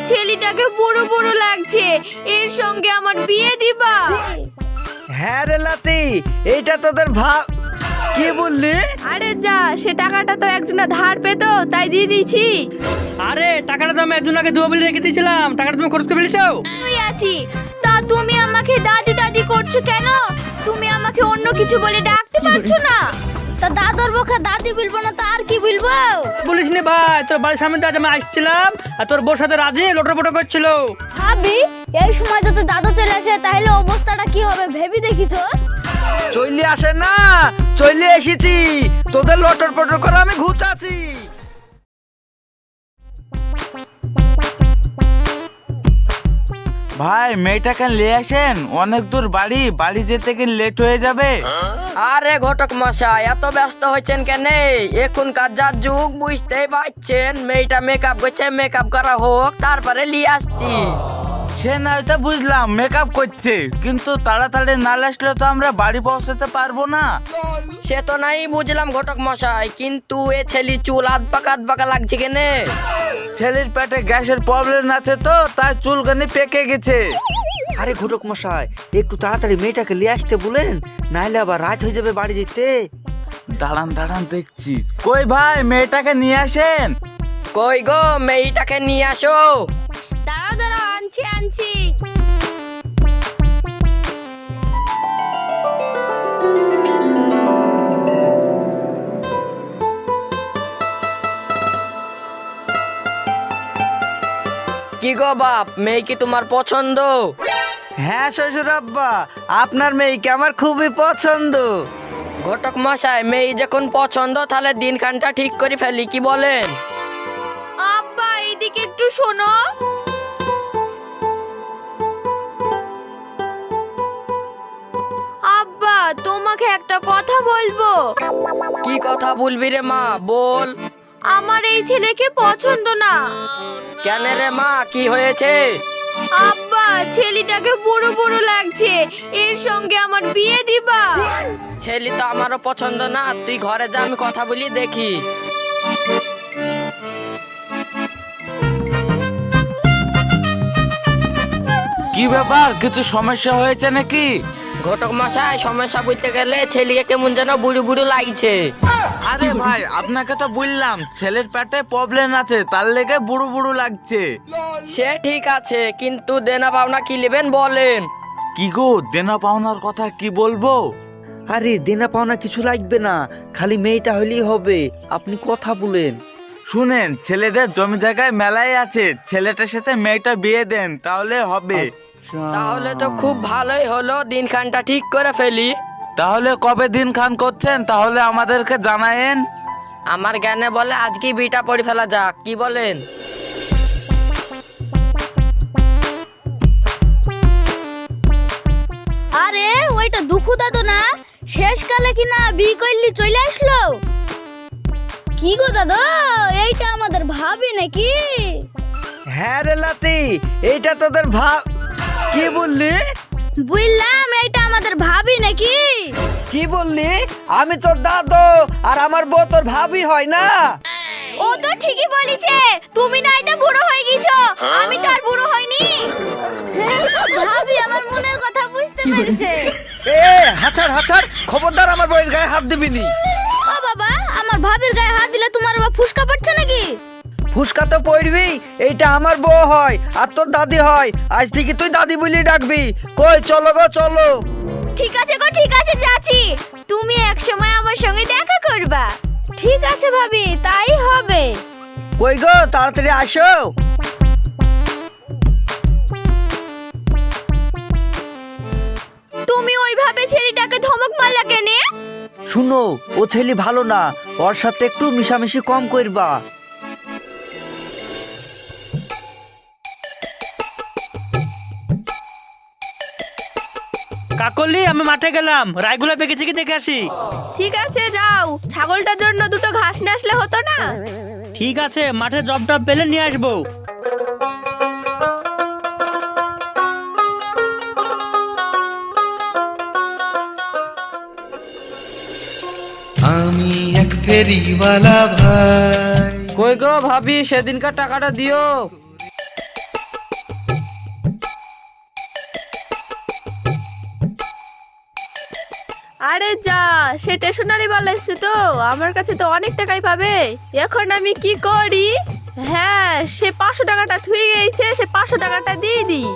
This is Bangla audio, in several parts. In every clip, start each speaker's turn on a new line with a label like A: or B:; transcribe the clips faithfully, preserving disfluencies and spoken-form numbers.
A: ছেলেটাকে বুড়ো বুড়ো লাগছে, এর সঙ্গে আমার বিয়ে দিবা?
B: হ্যাঁ রে লাতি, এইটা তোদের ভাব। কি বললি?
A: আরে যা, সে টাকাটা তো একজনা ধার পেতো তাই দিয়ে দিয়েছি।
C: আরে টাকাটা তো আমি একজনকে দেবো বলে রেখে দিয়েছিলাম, টাকাটা তুমি খরচ করে ফেলেছো।
A: তুই আছি তা তুমি আমাকে দাদি দাদি করছো কেন? তুমি আমাকে অন্য কিছু বলে ডাকতে পারছো না? তা দাদুর মুখে দাদি বলবো না তো আর কি বলবো?
C: বলিস নি ভাই, তোর বাড়ির সামনে দিয়ে আজ আমি আসছিলাম আর তোর বউর সাথে রাজি লোটর পোটো করছিল।
A: ভাবি এই সময় যদি দাদু চলে আসে তাহলে অবস্থাটা কি হবে ভেবে দেখিছো?
B: চলে আসে না, চলে এসেছি, তোদের লটর পটর করে আমি ঘুচাচ্ছি।
D: ভাই মেয়েটাকে নিয়ে আসেন, অনেক দূর বাড়ি, বাড়ি যেতে কি লেট হয়ে যাবে।
E: আরে ঘটক মশাই এত ব্যস্ত হয়েছেন কেন? এখনকার যা যুগ বুঝতেই পারছেন, মেয়েটা মেকআপ করছে, মেকআপ করা হোক তারপরে নিয়ে আসছি।
D: সে নয়তো বুঝলাম মেকআপ করছে, কিন্তু তাড়াতাড়ি না আসলে তো আমরা বাড়ি পৌঁছাতে পারবো না।
E: সে তো নাই বুঝলাম ঘটক মশাই, কিন্তু এ ছেলে চুল আধ পাকা আধ পাকা লাগছে কেনে?
D: ছেলের পেটে গ্যাসের প্রবলেম আছে তো তাই চুলকানি পেকে গেছে।
B: আরে ঘটক মশাই, একটু তাড়াতাড়ি মেয়েটাকে নিয়ে আসতে বলেন, নাইলে আবার রাত হয়ে যাবে বাড়ি যেতে।
D: দাঁড়ান দাঁড়ান দেখছি। কই ভাই মেয়েটাকে নিয়ে আসেন।
E: কই গো মেয়েটাকে নিয়ে আসো।
A: দাঁড়াও দাঁড়াও, আনছি আনছি।
E: কি গো বাপ, মেয়ে কি তোমার পছন্দ?
B: হ্যাঁ শ্বশুর আব্বা, আপনার মেয়েকে আমার খুবই পছন্দ।
E: ঘটক মশাই মেয়ে যখন পছন্দ তাহলে দিনখানটা ঠিক করে ফেলি, কি বলেন?
A: আব্বা এইদিকে একটু শোনো। আব্বা তোমাকে একটা কথা বলবো।
E: কি কথা বলবি রে মা, বল।
A: আমার এই ছেলেকে পছন্দ না।
E: কেন রে মা, কি হয়েছে?
A: আব্বা ছেলেটাকে বুড়ো বুড়ো লাগছে, এর সঙ্গে আমার বিয়ে দিবা?
E: ছেলে তো আমারও পছন্দ না, তুই ঘরে যা, আমি কথা বলি দেখি।
D: কি ব্যাপার, কিছু সমস্যা হয়েছে নাকি?
E: ঘটক মশাই সমস্যা বলতে গেলে ছেলেকে কেমন যেন বুড়ো বুড়ো লাগছে।
D: আরে ভাই আপনাকে তো বললাম ছেলের পেটে প্রবলেম আছে, তার লেগে বুড়ো বুড়ো লাগছে।
E: সে ঠিক আছে, কিন্তু দেনা পাওনা কি নেবেন বলেন?
D: কি গো দেনা পাওনার কথা কি বলবো?
B: আরে দেনা পাওনা কিছু লাগবে না, খালি মেয়েটা হলেই হবে, আপনি কথা বলেন।
D: শুনেন, ছেলেদের জমি জায়গায় মেলাই আছে, ছেলেটার সাথে মেয়েটা বিয়ে দেন তাহলে হবে।
E: তাহলে তো খুব ভালোই হলো, দিনখানটা ঠিক করে ফেলি।
D: তাহলে কবে দিন খান করছেন তাহলে আমাদেরকে জানায়েন।
E: আমার জ্ঞানে বলে আজকে বিটা পড়ে ফেলা যাক, কি বলেন?
A: আরে ওইটা দুঃখু দাদু না? শেষকালে কি না বিয়ে করলি চলে আসলো? কি গো দাদু, এইটা আমাদের ভাবি নাকি?
B: হ্যাঁ রে লাতি, এইটা তোদের ভাব। কি বললি?
A: বুঝলাম এইটা আমাদের ভাবি নাকি?
B: কি বললি? আমি তোর দাদু আর আমার বউ তোর ভাবি হয় না?
A: ও তো ঠিকই বলেছে, তুমি না এটা বুড়ো হয়ে গেছো, আমি তো আর বুড়ো হইনি। ভাবি আমার মনের কথা বুঝতে পেরেছে।
B: এ হাছার হাছার, খবরদার আমার বউয়ের গায়ে হাত দিবি নি।
A: ও বাবা, আমার ভাবির গায়ে হাত দিলে তোমার বাবা ফুসকা পড়ছে নাকি?
B: ফুসকা তো পড়বি, এইটা আমার বউ হয় আর তোর দাদি হয়, আজ থেকে তুই দাদি বলি ডাকবি। কই চলো গো চলো।
A: ঠিক আছে গো ঠিক আছে যাচ্ছি, তুমি এক সময় আমার সঙ্গে দেখা করবা। ঠিক আছে ভাবি, তাই হবে।
B: কই গো তাড়াতাড়ি আসো।
A: তুমি ওইভাবে ছেলেটাকে ধমক মারলা কেনে?
B: শুনো, ও ছেলে ভালো না, ওর সাথে একটু মিশামিশি কম করবা।
C: কাকলি আমি মাঠে গেলাম, রায়গুলা পেকেছে কি দেখে আসি।
A: ঠিক আছে যাও, ছাগলটার জন্য দুটো ঘাস নিয়ে আসলে হতো না?
C: ঠিক আছে, মাঠে জব টব পেলে নিয়ে আসবো।
F: আমি এক ফেরিওয়ালা ভাই।
E: কই গো ভাবি, সেদিনকার টাকাটা দিও।
A: আরে যা, সে স্টেশনারি বালা এসছে তো আমার কাছে তো অনেক টাকাই পাবে। এখন আমি কি করি? হ্যাঁ, সে পাঁচশো টাকাটা থুয়ে গেছে, সে পাঁচশো টাকাটা দিয়ে দিই।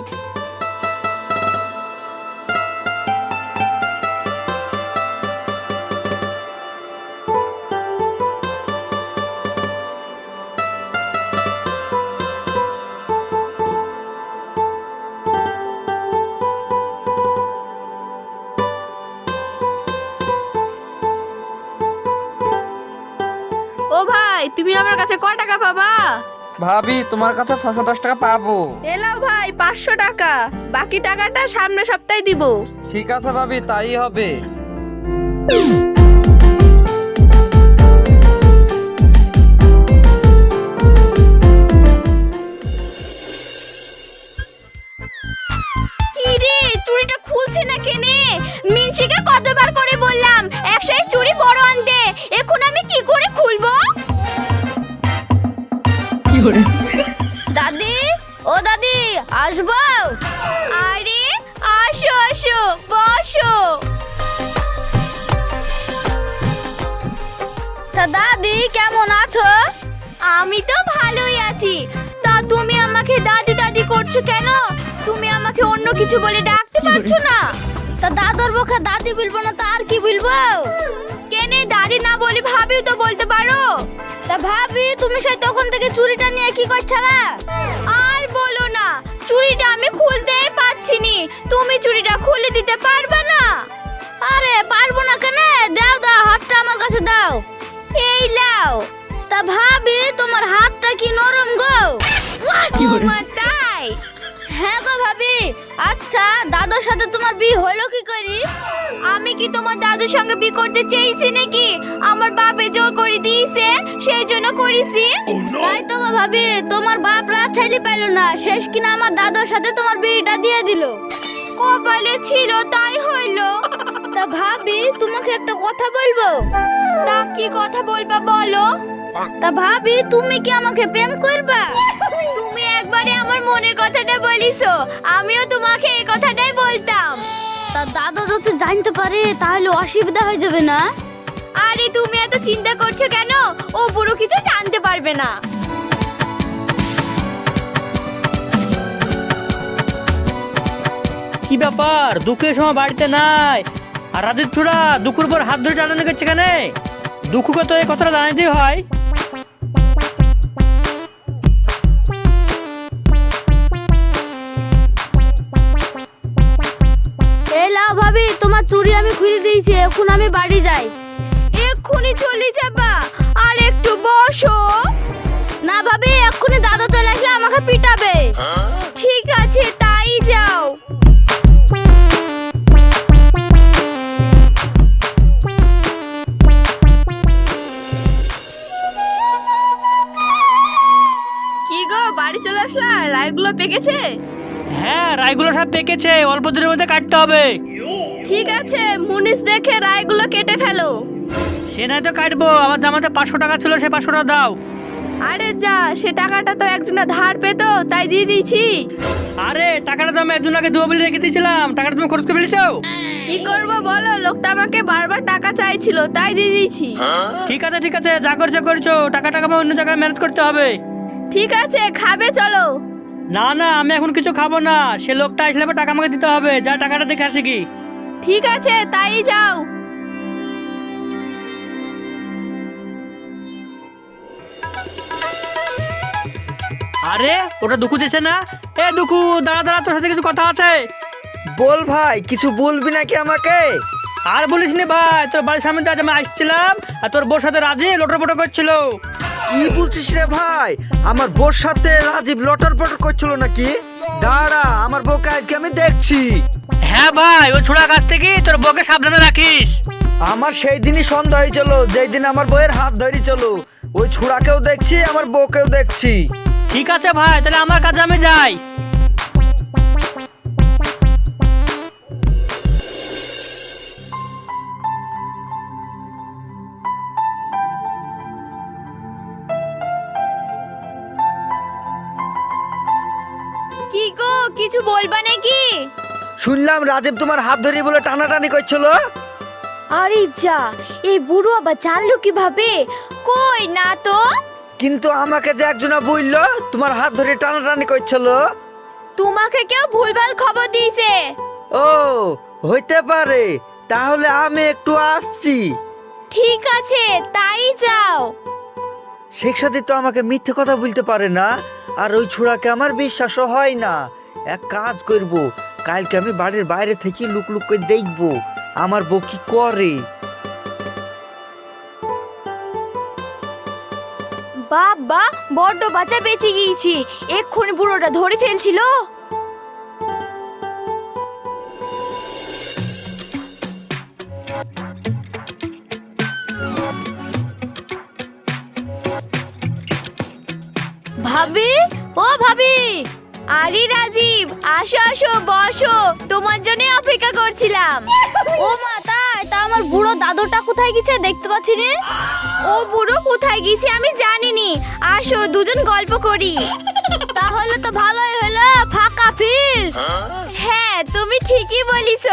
A: ও ভাই, তুমি আমার কাছে কয় টাকা পাবা?
B: ভাবি তোমার কাছে ছশো দশ টাকা পাবো।
A: এলাও ভাই পাঁচশো টাকা, বাকি টাকাটা সামনের সপ্তাহে দিব।
B: ঠিক আছে ভাবি, তাই হবে।
A: কি রে, চুড়িটা খুলছে না কেনে? মিনসিকে কতবার করে বললাম এক সাইজ চুড়ি বড় আনতে, এখন আমি কি করে খুলবো? দাদি, ও দাদি, আসবো? আরে আসো আসো, বসো। তা দাদি কেমন আছো? আমি তো ভালোই আছি। তা তুমি আমাকে দাদি দাদি করছো কেন? তুমি আমাকে অন্য কিছু বলে ডাকতে পারছো না? তা দাদর মুখে দাদি বলবো না তো আর কি বলবো? কেনে দাদি না বলি ভাবিও তো বলতে পারো। তা ভাবি, তুমি সেই তখন থেকে চুড়িটা নিয়ে কি করছালা? আর বলো না, চুড়িটা আমি খুলতেই পাচ্ছিনি। তুমি চুড়িটা খুলে দিতে পারবে না? আরে পারবো না কেন? দাও দাও, হাতটা আমার কাছে দাও। এই লাও। তা ভাবি, তোমার হাতটা কি নরম গো? ওমা, তাই? হ্যাঁ গো ভাবি। আচ্ছা, দাদুর সাথে তোমার বিয়ে হলো কি করি? আমি কি তোমার দাদুর সঙ্গে বিয়ে করতে চেয়েছি নাকি? আমার বাপে জোর করে দিয়েছে, সেই জন্য করেছি। তাই তো গো ভাবি, তোমার বাপরা ছেলে পেল না, শেষ কিনা আমার দাদুর সাথে তোমার বিয়েটা দিয়ে দিল। কপালে ছিল তাই হইলো। তা ভাবি, তোমাকে একটা কথা বলবো। তা কি কথা বলবা বলো? তা ভাবি, তুমি কি আমাকে প্রেম করবা? তুমি একবারে আমার মনের কথাটা বলিছো, আমিও তোমাকে এই কথাটাই বলতাম। তা দাদু যদি জানতে পারে তাহলে অসুবিধা হয়ে যাবে না? আরে তুমি এত চিন্তা করছো কেন? ও পুরো কিছু জানতে পারবে না।
C: কি ব্যাপার, দুঃখের সময় বাড়িতে নাই আর রাতের ছোড়া দুঃখের উপর হাত ধরে টানানো করছে কেন? দুঃখকে তো এই কথাটা জানাইতেই হয়।
A: এই লাও ভাবি, তোমার চুড়ি আমি খুলে দিয়েছি, এখন আমি বাড়ি যাই। এক্ষুনি চলে যাবা? আর একটু বসো না ভাবি, এক্ষুনি দাদা চলে আসলে আমাকে পিটাবে। ঠিক আছে, তাই যাও। কি গো, বাড়ি চলে আসলা? রায়গুলো পেকেছে?
C: হ্যাঁ, রায়গুলো সব পেকেছে, অল্প দিনের মধ্যে কাটতে হবে।
A: ঠিক আছে, মুনিশ দেখে রায়গুলো কেটে ফেলো।
C: সে নাই তো কাটবো, আমার জামাতে পাঁচশো টাকা ছিল, সে পাঁচশো টাকা দাও।
A: আরে যা, সে টাকাটা তো একজনা ধার পেতো তাই দিয়ে দিয়েছি।
C: আরে টাকাটা তো আমি একজনকে দেবো বলে রেখে দিয়েছিলাম, টাকাটা তুমি খরচ করে ফেলেছো।
A: কি করবো বলো, লোকটা আমাকে বারবার টাকা চাইছিল তাই দিয়ে দিয়েছি।
C: ঠিক আছে ঠিক আছে, যা করছো করছো, টাকা টাকা আমার অন্য জায়গায় ম্যানেজ করতে হবে।
A: ঠিক আছে, খাবে চলো।
C: না না, আমি এখন কিছু খাবো না, সে লোকটা আসলে আবার টাকা আমাকে দিতে হবে, যা টাকাটা দেখে আসে কি।
A: ঠিক আছে, তাই যাও।
C: আরে ওটা দুঃখু দিচ্ছে না? এ দুঃখু, দাঁড়া দাঁড়া, তোর সাথে কিছু কথা আছে।
B: বল ভাই, কিছু বলবি নাকি আমাকে?
C: আর বলিস নি ভাই, তোর বাড়ির সামনে দিয়ে আজ আমি আসছিলাম আর তোর বউর সাথে রাজি লটর পটর করছিল।
B: কি বলছিস রে ভাই? আমার বউর সাথে রাজীব লটর পটর করছিল নাকি? দাঁড়া, আমার বউকে আজকে আমি দেখছি।
C: হ্যাঁ ভাই, ওই ছোড়া কাছ থেকে তোর বউকে সাবধানে রাখিস।
B: আমার সেই দিনই সন্দেহ হয়েছিল, যেই দিন আমার বউয়ের হাত ধরে চলো। ওই ছুড়াকেও দেখছি, আমার বউকেও দেখছি।
C: ঠিক আছে ভাই, তাহলে আমার কাছে আমি যাই।
A: কি গো, কিছু বলবা নাকি?
B: শুনলাম রাজীব তোমার হাত ধরে বলে টানাটানি করছিল।
A: আরে যা, এই বুড়ো আবার জানলো কিভাবে? কই না তো।
B: কিন্তু আমাকে যে একজনা বললো তোমার হাত ধরে টানাটানি করছিল।
A: তোমাকে কেউ ভুলভাল খবর দিয়েছে।
B: ও হইতে পারে, তাহলে আমি একটু আসছি।
A: ঠিক আছে, তাই যাও।
B: শেখ সাথী তো আমাকে মিথ্যে কথা বলতে পারে না, আর ওই ছোড়াকে আমার বিশ্বাসও হয় না। এক কাজ করব, কালকে আমি বাড়ির বাইরে থেকে লুক লুক করে দেখব আমার বউ কি করে।
A: বাবা, বড্ড বাঁচা বেঁচে গিয়েছি। এক্ষুনি বুড়োটা ধরে ফেলছিল। ভাবি, ও ভাবি। আরে রাজীব, আসো আসো বসো, তোমার জন্য অপেক্ষা করছিলাম। ও মা, তাই তা আমার বুড়ো দাদুটা কোথায় গেছে দেখতে পাচ্ছি না। ও বুড়ো কোথায় গেছে আমি জানিনি। আসো দুজন গল্প করি। তাহলে তো ভালোই হলো, ফাঁকা ফিল্ড। হ্যাঁ, তুমি ঠিকই বলিছো।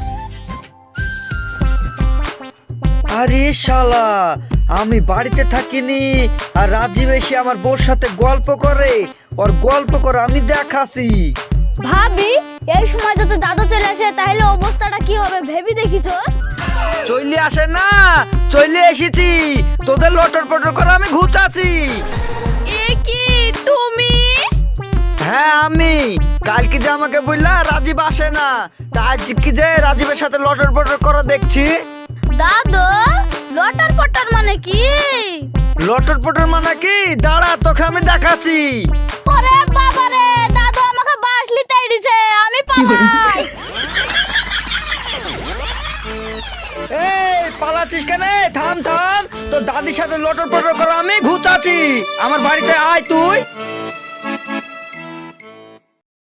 B: আরে শালা, আমি বাড়িতে থাকিনি আর রাজীব এসে আমার বউর সাথে গল্প করে, ওর গল্প করে আমি দেখাছি।
A: ভাবি, এই সময় যদি দাদু চলে আসে তাহলে অবস্থাটা কি হবে ভেবে দেখিছো?
B: চলে আসে না, চলে এসেছি, তোদের লটর পটর করে আমি ঘুচাচ্ছি।
A: এ কি তুমি?
B: হ্যাঁ আমি। কালকে যে আমাকে বললা রাজীব আসে না, তা আজকে যে রাজীবের সাথে লটর পটর করা দেখছি।
A: দাদু, লটার পটার মানে কি?
B: লটর পটর মানে কি? দাঁড়া, তোকে আমি দেখাচ্ছি।
A: ওরে বাবা রে, দাদু আমাকে বাসলি তাই দিছে, আমি পালাই।
B: এই পালাচ্ছিস কেন? থাম থাম, তো দাদির সাথে লটর পটর করে আমি ঘুচাচ্ছি। আমার বাড়িতে আয় তুই।